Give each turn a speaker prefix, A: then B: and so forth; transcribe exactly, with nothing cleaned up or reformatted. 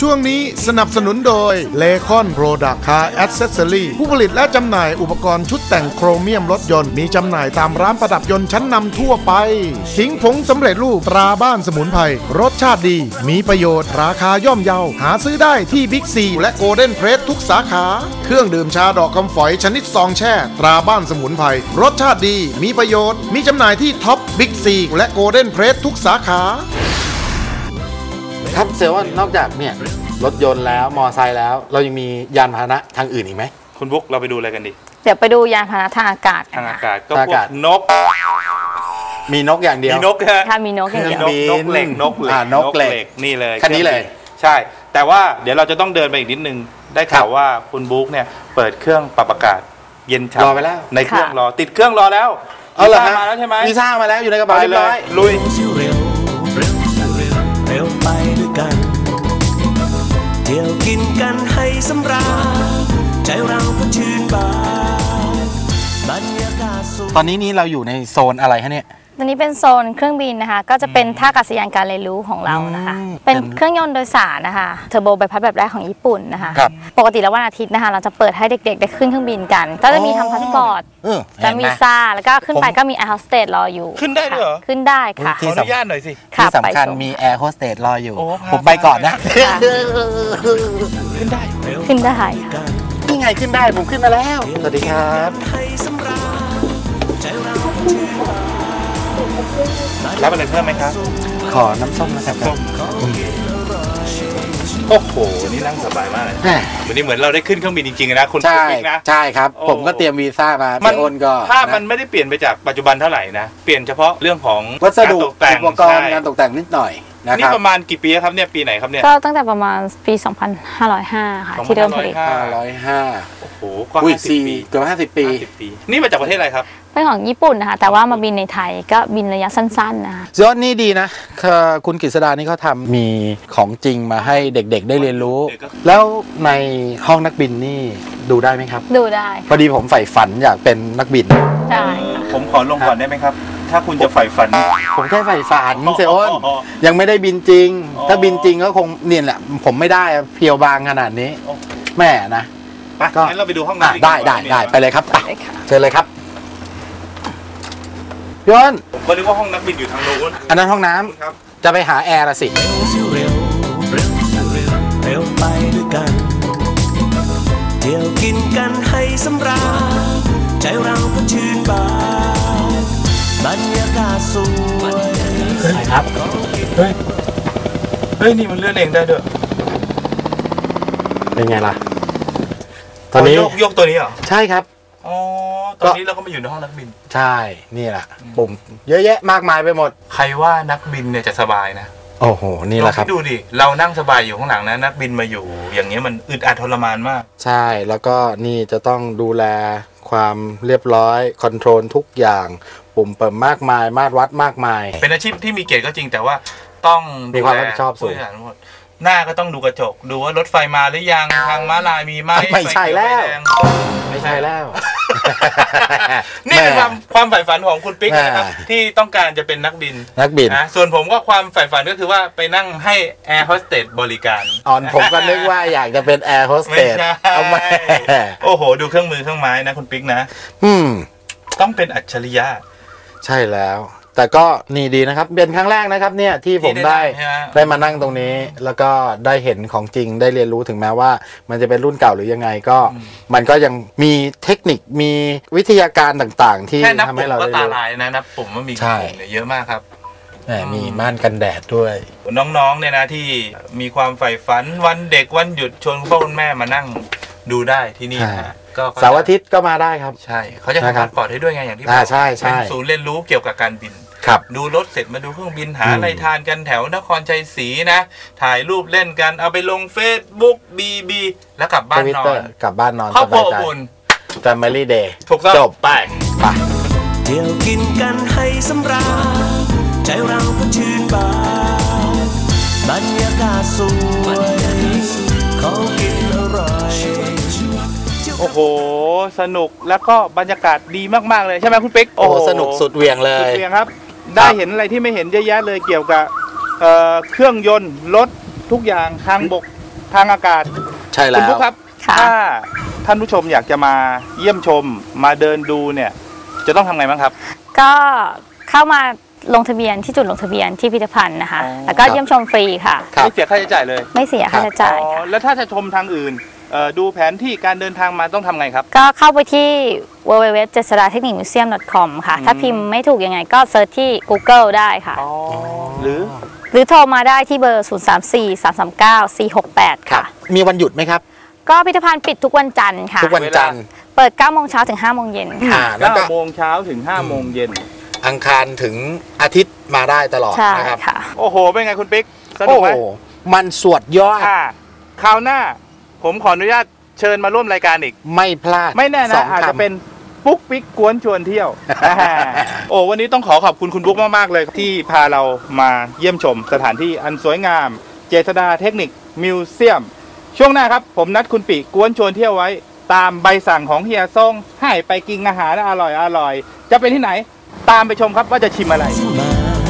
A: ช่วงนี้สนับสนุนโดยเลคอนโปรดักต์คาร์แอคเซสซอรี่ผู้ผลิตและจำหน่ายอุปกรณ์ชุดแต่งโครเมียมรถยนต์มีจำหน่ายตามร้านประดับยนต์ชั้นนำทั่วไปขิงผงสำเร็จรูปตราบ้านสมุนไพรรสชาติดีมีประโยชน์ราคาย่อมเยาหาซื้อได้ที่บิ๊กซีและโกลเด้นเพรสทุกสาขาเครื่องดื่มชาดอกคำฝอยชนิดซองแช่ตราบ้านสมุนไพรรสชาติดีมีประโยชน์มีจำหน่ายที่ท็อปบิ๊กซีและโกลเด้นเพรสทุกสาขา
B: ครับเซลว่านอกจากเนี่ยรถยนต์แล้วมอไซค์แล้วเรายังมียานพาหนะทางอื่นอีกไหม
C: คุณบุ๊กเราไปดูอะไรกันดี
D: เดี๋ยวไปดูยานพาหนะทางอากาศ
C: ทางอากาศก็พวกนก
B: มีนกอย่างเดียว
C: มีนก
D: ค่ะมีนกอย่างเดียวน
C: กเหล็กนกเหล็ก
B: นกเหล็ก
C: นี่เลย
B: คันนี้เลย
C: ใช่แต่ว่าเดี๋ยวเราจะต้องเดินไปอีกนิดนึงได้ข่าวว่าคุณบุ๊กเนี่ยเปิดเครื่องปรับอากาศเย็นฉ่ำ
B: รอไปแล้ว
C: ในเครื่องรอติดเครื่องรอแล้ว
B: เอาเหรอฮะ
C: มาแล้วใช่ไหม
B: วีซ่ามาแล้วอยู่ในกระเป๋าเรียบร้อย
C: ลุย
E: เร็วไปด้วยกันเที่ยวกินกันให้สำราญใจเราก็ชื่นบานบรรยากาศสูง
B: ตอนนี้นี่เราอยู่ในโซนอะไรฮะเนี่ย
D: ตอนนี้เป็นโซนเครื่องบินนะคะก็จะเป็นท่าอากาศยานการเรียนรู้ของเรานะคะเป็นเครื่องยนต์โดยสารนะคะเทอร์โบใบพัดแบบแรกของญี่ปุ่นนะคะปกติแล้ววันอาทิตย์นะคะเราจะเปิดให้เด็กๆได้ขึ้นเครื่องบินกันก็จะมีทำพาสปอร์ตจะมีวีซ่าแล้วก็ขึ้นไปก็มีแอร์โฮสเตสรออยู่
C: ขึ้นได้ด้วยเหรอ
D: ขึ้นได้ค่ะ
C: ขออนุญาตหน่อยสิ
B: ที่สำคัญมีแอร์โฮสเตสรออยู่ผมไปก่อนนะ
C: ขึ้นได้
D: ขึ้นได้
B: ค่ะนี่ไงขึ้นได้ผมขึ้นมาแล้วสวัสดีครับ
C: รับอะไรเพิ่มไหมครับ
B: ขอน้ำส้มนะครับ
C: โอ้โหนี่นั่งสบายมากเลยวันนี้เหมือนเราได้ขึ้นเครื่องบินจริงๆนะคุณปิ๊กนะ
B: ใช่ครับผมก็เตรียมวีซ่ามาพี่อ้นก็
C: ภาพมันไม่ได้เปลี่ยนไปจากปัจจุบันเท่าไหร่นะเปลี่ยนเฉพาะเรื่องของ
B: วัสดุอุปกรณ์การตกแต่งนิดหน่อย
C: นี่ประมาณกี่ปีครับเนี่ยปีไหนครับเนี่ย
D: ก็ตั้งแต่ประมาณปีสองพันห้าร้อยห้าค่ะที่เริ่มผลิต
B: ห้าร้อยห้าโอ้โห
C: ก็ห้าสิบปี
B: เกือบห้าสิบปี
C: นี่มาจากประเทศอะไรครับ
D: เป็นของญี่ปุ่นนะคะแต่ว่ามาบินในไทยก็บินระยะสั้นๆนะคะ
B: ยอดนี่ดีนะคุณกฤษดานี่เขาทำมีของจริงมาให้เด็กๆได้เรียนรู้แล้วในห้องนักบินนี่ดูได้ไหมครับ
D: ดูได้
B: พอดีผมใฝ่ฝันอยากเป็นนักบิน
D: ใช่
C: ผมขอลงก่อนได้ไหมครับถ้าคุณจะใฝ่ฝัน
B: ผมแค่ใฝ่ฝันเซอ้นยังไม่ได้บินจริงถ้าบินจริงก็คงเนี่ยแหละผมไม่ได้เพียวบางขนาดนี้แม่นะ
C: ก็งั้นเราไปดูห้องน้ำ
B: ได้ได้ได้ไปเลยครับเชิญเลยครับพี่อ้น
C: ผมก็นึกว่าห้องนักบินอยู่ทางโน้น
B: อันนั้นห้องน้ำจะไปหาแอร์ละสิ
E: เร็วเร็วเร็วไปด้วยกันเที่ยวกินกันให้สำราญใจเราก็ชื่นบานบรรยากาศสวย
C: เฮ้ยครับเฮ้ยเฮ้ยนี่มันเลื่อนเองได้ด้วย
B: เป็นไงล่ะตอนนี้
C: ยกยกตัวนี้เหรอ
B: ใช่ครับ
C: อ๋อตอนนี้เราก็มาอยู่ในห้องนักบิน
B: ใช่นี่แหละปุ่มเยอะแยะมากมายไปหมด
C: ใครว่านักบินเนี่ยจะสบายนะ
B: โอ้โหนี่แหละครับ
C: ดูดิเรานั่งสบายอยู่ข้างหลังนะนักบินมาอยู่อย่างนี้มันอึดอัดทรมานมาก
B: ใช่แล้วก็นี่จะต้องดูแลความเรียบร้อยคอนโทรลทุกอย่างปุ่มเปิดมากมายมาตรวัดมากมาย
C: เป็นอาชีพที่มีเกียรติก็จริงแต่ว่าต้อง
B: มีความรับผิดชอบสูง
C: หน้าก็ต้องดูกระจกดูว่ารถไฟมาหรือยังทางม้าลายมีไหม
B: ไม่ใช่แล้วไม่ใช่แล้ว
C: นี่เป็นความความใฝ่ฝันของคุณปิ๊กนะครับที่ต้องการจะเป็นนักบิน
B: นักบิน
C: นะส่วนผมก็ความใฝ่ฝันก็คือว่าไปนั่งให้แอร์โฮสเตสบริการ
B: อ่อนผมก็นึกว่าอยากจะเป็นแอร์โฮสเตสเอาไหม
C: โอ้โหดูเครื่องมือเครื่องไม้นะคุณปิ๊กนะ
B: อืม
C: ต้องเป็นอัจฉริยะ
B: ใช่แล้วแต่ก็นี่ดีนะครับเป็นครั้งแรกนะครับเนี่ยที่ผมได้ได้มานั่งตรงนี้แล้วก็ได้เห็นของจริงได้เรียนรู้ถึงแม้ว่ามันจะเป็นรุ่นเก่าหรือยังไงก็มันก็ยังมีเทคนิคมีวิทยาการต่างๆที่ทำให้เรา
C: ได้รู้ก็ตาลายนะนับปุ่มว่ามีปุ่มเยอะมากครับ
B: มีม่านกันแดดด้วย
C: น้องๆเนี่ยนะที่มีความใฝ่ฝันวันเด็กวันหยุดชวนคุณพ่อคุณแม่มานั่งดูได้ที่นี่นะ
B: เสาร์อาทิตย์ก็มาได้ครับ
C: ใช่เขาจะทำพาสปอร์ตให้ด้วยไงอย่างที่
B: บอกใช่ใช่
C: เป็นศูนย์เรียนรู้เกี่ยวกับการบินดูรถเสร็จมาดูเครื่องบินหาอะไรทานกันแถวนครชัยศรีนะถ่ายรูปเล่นกันเอาไปลงเฟซบุ๊กบีบีแล้วกลับบ้านนอน
B: กลับบ้านนอน
C: ครอบครัวอบอุ่น
B: Family Day
C: ถูกต้อง
B: จบไปไป
E: เที่ยวกินกันให้สำราญใจเราก็ชื่นบานบรรยากาศสวยของกินอร่อย
C: โอ้โหสนุกแล้วก็บรรยากาศดีมากๆเลยใช่ไหมคุณปิ๊ก
B: โอ้สนุกสุดเหวี่ยงเลย
C: สุดเหวี่ยงครับได้เห็นอะไรที่ไม่เห็นเยอะแยะเลยเกี่ยวกับเครื่องยนต์รถทุกอย่างทางบกทางอากาศ
B: ใช่แล้
C: คุณ
B: ว
C: ปุ๊กครับ
D: ค่ะ
C: ถ้าท่านผู้ชมอยากจะมาเยี่ยมชมมาเดินดูเนี่ยจะต้องทำไงบ้างครับ
D: ก็เข้ามาลงทะเบียนที่จุดลงทะเบียนที่พิพิธภัณฑ์นะคะ
C: อ๋อ
D: แล้วก็เยี่ยมชมฟรีค่ะ
B: ครับ
C: ไม่เสียค่าใช้จ่ายเลย
D: ไม่เสียค่าใช้จ่าย
C: อ๋อ
D: ค่ะ
C: แล้วถ้าจะชมทางอื่นเอ่อดูแผนที่การเดินทางมาต้องทำไงครับ
D: ก็เข้าไปที่ ดับเบิลยู ดับเบิลยู ดับเบิลยู ดอท เจษฎาเทคนิคมิวเซียม ดอท คอม ค่ะ ถ้าพิมพ์ไม่ถูกยังไงก็เซิร์ชที่ Google ได้ค่ะ
C: อ๋อ หรือ
D: หรือโทรมาได้ที่เบอร์ ศูนย์ สาม สี่ สาม สาม เก้า สี่ หก แปด
B: ครับ
D: ค่ะ
B: มีวันหยุดไหมครับ
D: ก็พิพิธภัณฑ์ปิดทุกวันจันทร์ค่ะ
B: ทุกวันจันทร์
D: เปิด เก้าโมงเช้าถึง ห้าโมงเย็นค่ะ
B: อ่าแล้วก็
C: เก้าโมงเช้าถึงห้าโมงเย็น
B: อังคารถึงอาทิตย์มาได้ตลอด
D: ใช่
B: นะครับ
D: ค่ะ
C: โอ้โห เป็นไงคุณปิ๊ก สนุ
B: โอ้
C: กไห
B: โห
C: ม
B: มันสวดยอด
C: ค่ะคราวหน้า ผมขออนุญาตเชิญมาร่วมรายการอีก
B: ไม่พลาด
C: ไม่แน่
B: ส
C: นะ
B: อง
C: อาจจะ
B: คำ
C: เป็นปุ๊กปิ๊กกวนชวนเที่ยว โอ้วันนี้ต้องขอขอบคุณคุณปุ๊กมากๆเลยที่พาเรามาเยี่ยมชมสถานที่อันสวยงาม เจษฎาเทคนิคมิวเซียม ช่วงหน้าครับ ผมนัดคุณปีกวนชวนเที่ยวไว้ ตามใบสั่งของเฮียซ่งให้ไปกินอาหารอร่อยอร่อยๆจะเป็นที่ไหน ตามไปชมครับว่าจะชิมอะไร
E: มา